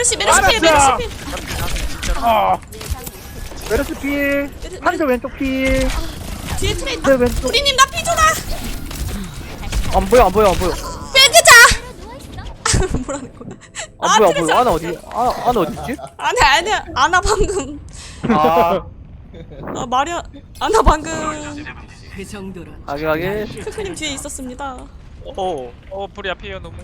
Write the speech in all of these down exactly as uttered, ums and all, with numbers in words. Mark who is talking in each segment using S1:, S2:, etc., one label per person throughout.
S1: 메르시 메르시 필 메르시
S2: 알았어.
S1: 필.
S2: 아 메르스 필 한조 왼쪽 필
S1: 뒤에 트레이.
S2: 네, 왼쪽.
S1: 우리님 나 피줘라.
S2: 안 보여 안 보여 안 보여
S1: 빼그자. 뭐라는 거야?
S2: 안 보여 안
S1: 트레이
S2: 보여 아나 어디 아 아나 어디지?
S1: 아니 아니 아나 방금.
S2: 아
S1: 아 마리아 아나 방금.
S3: 그 정도로
S2: 가게 가게
S1: 크크님 뒤에 있었습니다.
S4: 오, 어 불이 앞이에요 너무.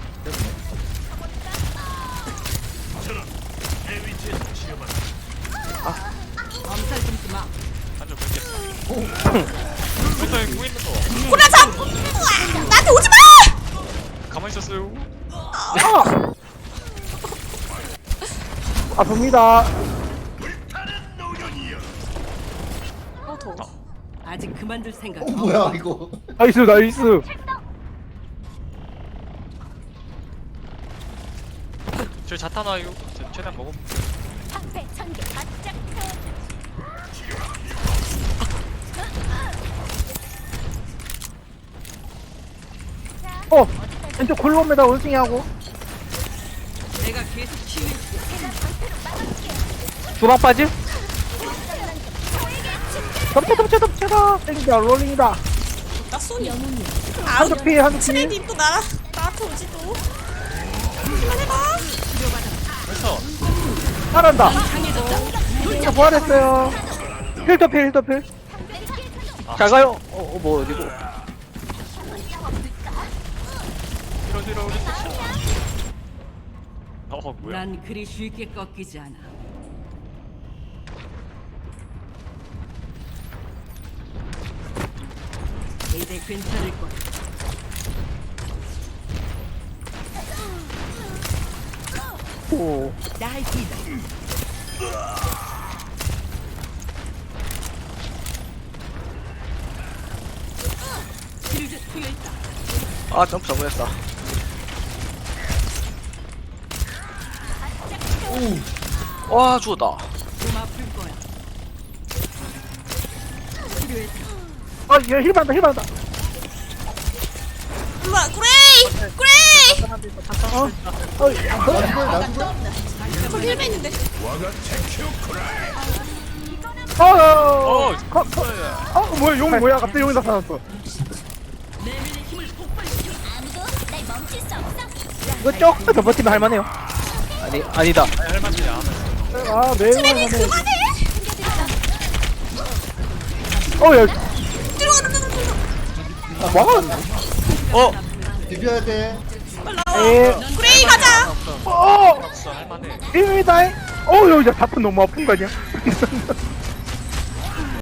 S3: 엄살 좀 그만.
S4: 한점 뵙겠다. 일단 구 있는 거.
S1: 고라 잡. 우와, 나한테 오지 마.
S4: 가만히 있었어요.
S2: 아 아픕니다
S1: 어 더워.
S3: 아직 그만둘 생각.
S5: 어 뭐야 이거.
S2: 나이스 나이스
S4: 저 자탄 와요. 저 최대한 먹어.
S2: 어 왼쪽 콜롬에다 올싱하고
S3: 내가 계속 치유.
S2: 주방 빠짐 덮쳐 덮쳐 덮쳐라 땡기다 롤링이다
S1: 나 쏘니. 아우
S2: 한조 필 한조 필
S1: 트레이님 또 나라 나한테 오지 또. 그만해봐.
S4: 그래서
S2: 잘한다 자 부활했어요 필터 필 필터 필 잘 가요 어, 어, 뭐 어디고
S4: 뒤로 뒤로 우리. 어 뭐야?
S3: 난 그리 쉽게 꺾이지 않아. 이제 괜찮을 거야.
S2: 오
S3: 나이스다. 치료제 투여했다.
S2: 아 점프 잘못했다 와 죽었다
S3: 좀 아플 거야. 치료했다.
S2: 아얘 힐받는다 힐받는다
S1: 우와 그레이 그레이.
S2: 어? 어?
S5: 나수걸 나수걸.
S1: 저기 힐베 있는데.
S2: 어?
S4: 어.
S2: 어? 거, 거, 어? 뭐야 용 뭐야 갑자기 용이 나타났어 이거 조금 더 버티면 할만해요 아니 아니다
S4: 아니 할만치 안 했어.
S2: 아 매우
S1: 트레이
S2: 할만해
S1: 그만해.
S2: 어야
S1: 들어가 들어가 들어가.
S2: 와
S4: 어.
S5: 비벼야 돼.
S1: 빨리 나와.
S2: 에
S1: 그레이 가자.
S2: 어
S4: 없어 할만해.
S2: 일미다잉 어우 야 자꾸 너무 아픈 거 아니야